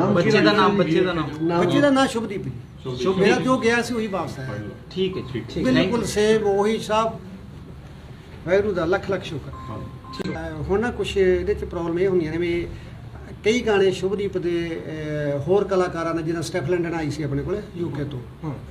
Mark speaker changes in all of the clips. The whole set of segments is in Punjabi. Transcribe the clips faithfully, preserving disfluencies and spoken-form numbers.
Speaker 1: बच्चे का नाम बच्चे का नाम
Speaker 2: बच्चे का नाम शुभदीप जी। मेरा जो गया सी वही वापस आया।
Speaker 1: ठीक है ठीक है
Speaker 2: बिल्कुल सेम वही साहब वाहिगुरू दा लख लख शुक्र। ਹੁਣ ਨਾ ਕੁਛ ਇਹਦੇ ਚ ਪ੍ਰੋਬਲਮ ਇਹ ਹੁੰਦੀਆਂ ਨੇ ਵੀ ਕਈ ਗਾਣੇ ਸ਼ੁਭਦੀਪ ਦੇ ਹੋਰ ਕਲਾਕਾਰਾਂ ਨੇ ਜਿਹਨਾਂ ਸਟੈਫ ਲੰਡਨ ਆਈ ਸੀ ਆਪਣੇ ਕੋਲ ਯੂਕੇ ਤੋਂ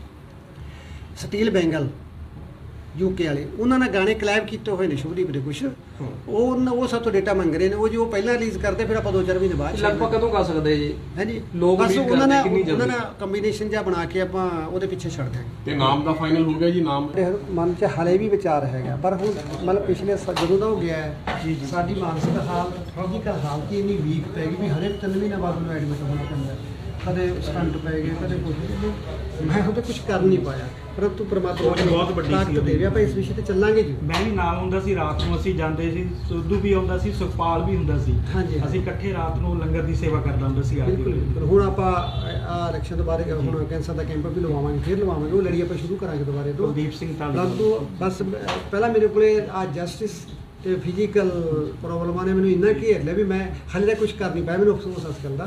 Speaker 2: ਸਟੀਲ ਬੈਂਗਲ ਯੂਕੇ ਵਾਲੇ ਉਹਨਾਂ ਨੇ ਗਾਣੇ ਕਲੈਬ ਕੀਤੇ ਹੋਏ ਨੇ ਸ਼ੁਭਦੀਪ ਦੇ ਕੁਛ ਉਹ ਉਹ ਸਭ ਤੋਂ ਡੇਟਾ ਮੰਗ ਰਹੇ ਨੇ ਉਹ ਜੋ ਪਹਿਲਾਂ ਰਿਲੀਜ਼ ਕਰਦੇ ਫਿਰ ਆਪਾਂ ਦੋ ਚਾਰ ਮਹੀਨੇ ਬਾਅਦ
Speaker 3: ਲਗਭਗ ਕਦੋਂ ਕਰ ਸਕਦੇ ਜੀ
Speaker 2: ਹਾਂਜੀ
Speaker 3: ਲੋਕ
Speaker 2: ਬਸ
Speaker 3: ਉਮੀਦ
Speaker 2: ਉਹਨਾਂ ਨੇ
Speaker 3: ਕਰਦੇ ਕਿੰਨੀ
Speaker 2: ਉਹਨਾਂ
Speaker 3: ਜਲਦੀ
Speaker 2: ਨੇ ਕੰਬੀਨੇਸ਼ਨ ਜਿਹਾ ਬਣਾ ਕੇ ਆਪਾਂ ਉਹਦੇ ਪਿੱਛੇ ਛੱਡ ਦਿਆਂਗੇ।
Speaker 4: ਤੇ ਨਾਮ ਦਾ ਫਾਈਨਲ ਹੋ ਗਿਆ ਜੀ? ਨਾਮ
Speaker 2: ਮਨ 'ਚ ਹਲੇ ਵੀ ਵਿਚਾਰ ਹੈਗਾ ਪਰ ਹੁਣ ਮਤਲਬ ਪਿਛਲੇ ਸ- ਜਦੋਂ ਦਾ ਹੋ ਗਿਆ ਹੈ ਸਾਡੀ ਮਾਨਸਿਕ ਹਾਲਤ ਫਿਜ਼ੀਕਲ ਹਾਲਤ ਹੀ ਇੰਨੀ ਵੀਕ ਪੈ ਗਈ ਵੀ ਹਰੇਕ ਤਿੰਨ ਮਹੀਨੇ ਬਾਅਦ ਨੂੰ ਐਡਮਿਟ ਹੋਣਾ ਪੈਂਦਾ। ਕਦੇ ਸਟੰਟ ਪੈ ਗਏ ਕਦੇ ਕੁਝ ਮੈਂ ਉਹਦੇ ਕੁਝ ਕਰ ਨਹੀਂ ਪਾਇਆ ਪਰੰਤੂ ਪ੍ਰਮਾਤਮਾ ਨੇ ਬਹੁਤ ਵੱਡੀ ਤਾਕਤ ਦੇ ਰਿਹਾ ਆਪਾਂ ਇਸ ਵਿਸ਼ੇ ਤੇ ਚੱਲਾਂਗੇ ਜੀ।
Speaker 5: ਮੈਂ ਵੀ ਨਾਲ ਹੁੰਦਾ ਸੀ ਰਾਤ ਨੂੰ ਅਸੀਂ ਜਾਂਦੇ ਸੀ ਸਿੱਧੂ ਵੀ ਆਉਂਦਾ ਸੀ ਸੁਖਪਾਲ ਵੀ ਹੁੰਦਾ ਸੀ
Speaker 2: ਹਾਂਜੀ
Speaker 5: ਅਸੀਂ ਇਕੱਠੇ ਰਾਤ ਨੂੰ ਲੰਗਰ ਦੀ ਸੇਵਾ ਕਰਦਾ ਹੁੰਦਾ ਸੀ ਆ
Speaker 2: ਬਿਲਕੁਲ ਬਿਲਕੁਲ। ਹੁਣ ਆਪਾਂ ਆ ਇਲੈਕਸ਼ਨ ਤੋਂ ਬਾਅਦ ਹੁਣ ਕੈਂਸਰ ਦਾ ਕੈਂਪ ਵੀ ਲਵਾਵਾਂਗੇ ਫਿਰ ਲਵਾਵਾਂਗੇ ਉਹ ਲੜੀ ਆਪਾਂ ਸ਼ੁਰੂ ਕਰਾਂਗੇ ਦੁਬਾਰੇ ਤੋਂ
Speaker 5: ਕੁਲਦੀਪ ਸਿੰਘ
Speaker 2: ਪਰੰਤੂ
Speaker 5: ਢਾਲੀ
Speaker 2: ਬਸ ਪਹਿਲਾਂ ਮੇਰੇ ਕੋਲੇ ਆ ਜਸਟਿਸ ਤੇ ਫਿਜ਼ੀਕਲ ਪ੍ਰੋਬਲਮਾਂ ਨੇ ਮੈਨੂੰ ਇੰਨਾ ਘੇਰ ਲਿਆ ਵੀ ਮੈਂ ਹਾਲੇ ਤੱਕ ਕੁਝ ਕਰ ਨਹੀਂ ਪਾਇਆ ਮੈਨੂੰ ਅਫਸੋਸ ਇਸ ਗੱਲ ਦਾ।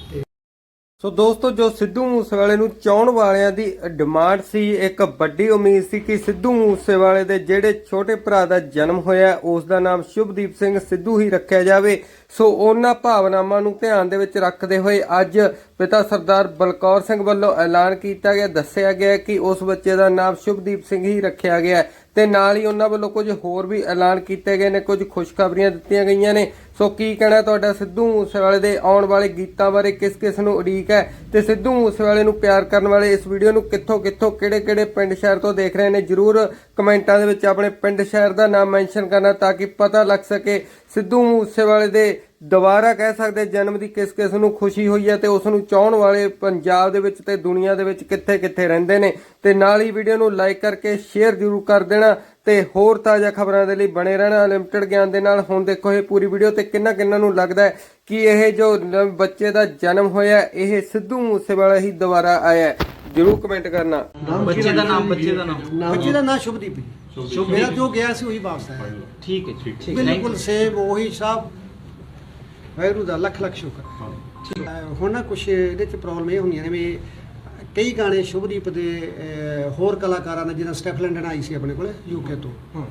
Speaker 6: ਸੋ ਦੋਸਤੋ ਜੋ ਸਿੱਧੂ ਮੂਸੇਵਾਲੇ ਨੂੰ ਚਾਹਣ ਵਾਲਿਆਂ ਦੀ ਡਿਮਾਂਡ ਸੀ ਇੱਕ ਵੱਡੀ ਉਮੀਦ ਸੀ ਕਿ ਸਿੱਧੂ ਮੂਸੇਵਾਲੇ ਦੇ ਜਿਹੜੇ ਛੋਟੇ ਭਰਾ ਦਾ ਜਨਮ ਹੋਇਆ ਉਸ ਦਾ ਨਾਮ ਸ਼ੁਭਦੀਪ ਸਿੰਘ ਸਿੱਧੂ ਹੀ ਰੱਖਿਆ ਜਾਵੇ। ਸੋ ਉਹਨਾਂ ਭਾਵਨਾਵਾਂ ਨੂੰ ਧਿਆਨ ਦੇ ਵਿੱਚ ਰੱਖਦੇ ਹੋਏ ਅੱਜ ਪਿਤਾ ਸਰਦਾਰ ਬਲਕੌਰ ਸਿੰਘ ਵੱਲੋਂ ਐਲਾਨ ਕੀਤਾ ਗਿਆ ਦੱਸਿਆ ਗਿਆ ਕਿ ਉਸ ਬੱਚੇ ਦਾ ਨਾਮ ਸ਼ੁਭਦੀਪ ਸਿੰਘ ਹੀ ਰੱਖਿਆ ਗਿਆ ਤੇ ਨਾਲ ਹੀ ਉਹਨਾਂ ਵੱਲੋਂ ਕੁਝ ਹੋਰ ਵੀ ਐਲਾਨ ਕੀਤੇ ਗਏ ਨੇ ਕੁਝ ਖੁਸ਼ਖਬਰੀਆਂ ਦਿੱਤੀਆਂ ਗਈਆਂ ਨੇ। ਸੋ ਕੀ ਕਹਿਣਾ ਤੁਹਾਡਾ ਸਿੱਧੂ ਮੂਸੇਵਾਲੇ ਦੇ ਆਉਣ ਵਾਲੇ ਗੀਤਾਂ ਬਾਰੇ ਕਿਸ ਕਿਸ ਨੂੰ ਉਡੀਕ ਹੈ ਤੇ ਸਿੱਧੂ ਮੂਸੇਵਾਲੇ ਨੂੰ ਪਿਆਰ ਕਰਨ ਵਾਲੇ ਇਸ ਵੀਡੀਓ ਨੂੰ ਕਿੱਥੋਂ ਕਿੱਥੋਂ ਕਿਹੜੇ ਕਿਹੜੇ ਪਿੰਡ ਸ਼ਹਿਰ ਤੋਂ ਦੇਖ ਰਹੇ ਨੇ ਜਰੂਰ ਕਮੈਂਟਾਂ ਦੇ ਵਿੱਚ ਆਪਣੇ ਪਿੰਡ ਸ਼ਹਿਰ ਦਾ ਨਾਮ ਮੈਂਸ਼ਨ ਕਰਨਾ ਤਾਂ ਕਿ ਪਤਾ ਲੱਗ ਸਕੇ ਸਿੱਧੂ ਮੂਸੇਵਾਲੇ ਦੇ ਦੁਬਾਰਾ ਕਹਿ ਸਕਦੇ ਜਨਮ ਦੀ ਕਿਸ ਕਿਸ ਨੂੰ ਖੁਸ਼ੀ ਹੋਈ ਹੈ ਤੇ ਉਸ ਨੂੰ ਚਾਹਣ ਵਾਲੇ ਪੰਜਾਬ ਦੇ ਵਿੱਚ ਤੇ ਦੁਨੀਆ ਦੇ ਵਿੱਚ ਕਿੱਥੇ ਕਿੱਥੇ ਰਹਿੰਦੇ ਨੇ। ਤੇ ਨਾਲ ਹੀ ਵੀਡੀਓ ਨੂੰ ਲਾਈਕ ਕਰਕੇ ਸ਼ੇਅਰ ਜ਼ਰੂਰ ਕਰ ਦੇਣਾ ਤੇ ਹੋਰ ਤਾਜ਼ਾ ਖਬਰਾਂ ਦੇ ਲਈ ਬਣੇ ਰਹਿਣਾ ਲਿਮਟਿਡ ਗਿਆਨ ਦੇ ਨਾਲ। ਹੁਣ ਦੇਖੋ ਇਹ ਪੂਰੀ ਵੀਡੀਓ ਤੇ ਕਿੰਨਾ ਕਿੰਨਾ ਨੂੰ ਲੱਗਦਾ ਹੈ ਕਿ ਇਹ ਜੋ ਬੱਚੇ ਦਾ ਜਨਮ ਹੋਇਆ ਇਹ ਸਿੱਧੂ ਮੂਸੇਵਾਲਾ ਹੀ ਦੁਬਾਰਾ ਆਇਆ ਜਰੂਰ ਕਮੈਂਟ ਕਰਨਾ।
Speaker 1: बच्चे का नाम बच्चे का नाम
Speaker 2: ਬੱਚੇ ਦਾ ਨਾਮ ਸ਼ੁਭਦੀਪ ਜੀ। ਮੇਰਾ ਜੋ ਗਿਆ ਸੀ ਉਹੀ ਵਾਪਸ ਆਇਆ।
Speaker 1: ठीक है ठीक है
Speaker 2: ਬਿਲਕੁਲ ਸੇਮ ਉਹੀ ਸਾਹਬ ਵਾਹਿਗੁਰੂ ਦਾ ਲੱਖ ਲੱਖ ਸ਼ੁਕਰ। ਹੁਣ ਨਾ ਕੁਛ ਇਹਦੇ ਚ ਪ੍ਰੋਬਲਮ ਇਹ ਹੁੰਦੀਆਂ ਨੇ ਵੀ ਕਈ ਗਾਣੇ ਸ਼ੁਭਦੀਪ ਦੇ ਹੋਰ ਕਲਾਕਾਰਾਂ ਨੇ ਜਿਹਨਾਂ ਸਟੈਫ ਲੰਡਨ ਆਈ ਸੀ ਆਪਣੇ ਕੋਲ ਯੂਕੇ ਤੋਂ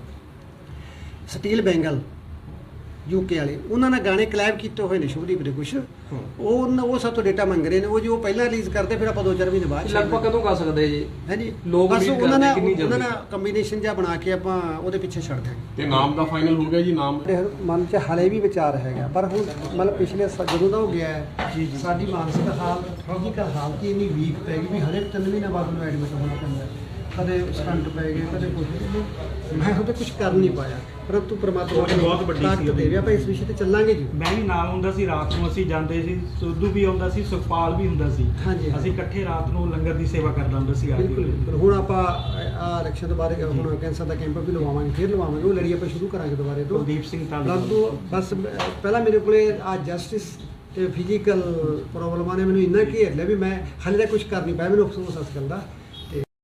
Speaker 2: ਸਟੀਲ ਬੈਂਗਲ ਯੂਕੇ ਵਾਲੇ ਉਹਨਾਂ ਨੇ ਗਾਣੇ ਕਲੈਬ ਕੀਤੇ ਹੋਏ ਨੇ ਸ਼ੁਭਦੀਪ ਦੇ ਕੁਛ ਉਹ ਉਹ ਸਭ ਤੋਂ ਡੇਟਾ ਮੰਗ ਰਹੇ ਨੇ ਉਹ ਜੋ ਪਹਿਲਾਂ ਰਿਲੀਜ਼ ਕਰਦੇ ਫਿਰ ਆਪਾਂ ਦੋ ਚਾਰ ਮਹੀਨੇ ਬਾਅਦ
Speaker 3: ਲਗਭਗ ਕਦੋਂ ਕਰ ਸਕਦੇ ਜੀ
Speaker 2: ਹਾਂਜੀ
Speaker 3: ਲੋਕ
Speaker 2: ਬਸ
Speaker 3: ਉਮੀਦ
Speaker 2: ਉਹਨਾਂ ਨੇ
Speaker 3: ਕਰਦੇ ਕਿੰਨੀ
Speaker 2: ਉਹਨਾਂ ਨੇ
Speaker 3: ਜਲਦੀ
Speaker 2: ਕੰਬੀਨੇਸ਼ਨ ਜਿਹਾ ਬਣਾ ਕੇ ਆਪਾਂ ਉਹਦੇ ਪਿੱਛੇ ਛੱਡ ਦਿਆਂਗੇ।
Speaker 4: ਤੇ ਨਾਮ ਦਾ ਫਾਈਨਲ ਹੋ ਗਿਆ ਜੀ? ਨਾਮ
Speaker 2: ਮਨ 'ਚ ਹਲੇ ਵੀ ਵਿਚਾਰ ਹੈਗਾ ਪਰ ਹੁਣ ਮਤਲਬ ਪਿਛਲੇ ਸ- ਜਦੋਂ ਦਾ ਹੋ ਗਿਆ ਹੈ ਸਾਡੀ ਮਾਨਸਿਕ ਹਾਲਤ ਫਿਜ਼ੀਕਲ ਹਾਲਤ ਹੀ ਇੰਨੀ ਵੀਕ ਪੈ ਗਈ ਵੀ ਹਰੇਕ ਤਿੰਨ ਮਹੀਨੇ ਬਾਅਦ ਨੂੰ ਐਡਮਿਟ ਹੋਣਾ ਪੈਂਦਾ। ਕਦੇ ਸਟੰਟ ਪੈ ਗਏ ਕਦੇ ਕੁਝ ਮੈਂ ਉਹਦੇ ਕੁਝ ਕਰ ਨਹੀਂ ਪਾਇਆ ਪਰੰਤੂ ਪ੍ਰਮਾਤਮਾ ਨੇ
Speaker 5: ਬਹੁਤ ਵੱਡੀ
Speaker 2: ਤਾਕਤ ਦੇ ਰਿਹਾ ਆਪਾਂ ਇਸ ਵਿਸ਼ੇ ਤੇ ਚੱਲਾਂਗੇ ਜੀ।
Speaker 5: ਮੈਂ ਵੀ ਨਾਲ ਹੁੰਦਾ ਸੀ ਰਾਤ ਨੂੰ ਅਸੀਂ ਜਾਂਦੇ ਸੀ ਸਿੱਧੂ ਵੀ ਆਉਂਦਾ ਸੀ ਸੁਖਪਾਲ ਵੀ ਹੁੰਦਾ ਸੀ
Speaker 2: ਹਾਂਜੀ
Speaker 5: ਅਸੀਂ ਇਕੱਠੇ ਰਾਤ ਨੂੰ ਲੰਗਰ ਦੀ ਸੇਵਾ ਕਰਦਾ ਹੁੰਦਾ ਸੀ ਆ
Speaker 2: ਬਿਲਕੁਲ ਬਿਲਕੁਲ। ਹੁਣ ਆਪਾਂ ਆ ਇਲੈਕਸ਼ਨ ਤੋਂ ਬਾਅਦ ਹੁਣ ਕੈਂਸਰ ਦਾ ਕੈਂਪ ਵੀ ਲਵਾਵਾਂਗੇ ਫਿਰ ਲਵਾਵਾਂਗੇ ਉਹ ਲੜੀ ਆਪਾਂ ਸ਼ੁਰੂ ਕਰਾਂਗੇ ਦੁਬਾਰੇ ਤੋਂ
Speaker 5: ਕੁਲਦੀਪ ਸਿੰਘ ਢਾਲੀ
Speaker 2: ਪਰੰਤੂ ਬਸ ਪਹਿਲਾਂ ਮੇਰੇ ਕੋਲੇ ਆ ਜਸਟਿਸ ਤੇ ਫਿਜ਼ੀਕਲ ਪ੍ਰੋਬਲਮਾਂ ਨੇ ਮੈਨੂੰ ਇੰਨਾ ਘੇਰ ਲਿਆ ਵੀ ਮੈਂ ਹਾਲੇ ਤੱਕ ਕੁਝ ਕਰ ਨਹੀਂ ਪਾਇਆ ਮੈਨੂੰ ਅਫਸੋਸ ਇਸ ਗੱਲ ਦਾ।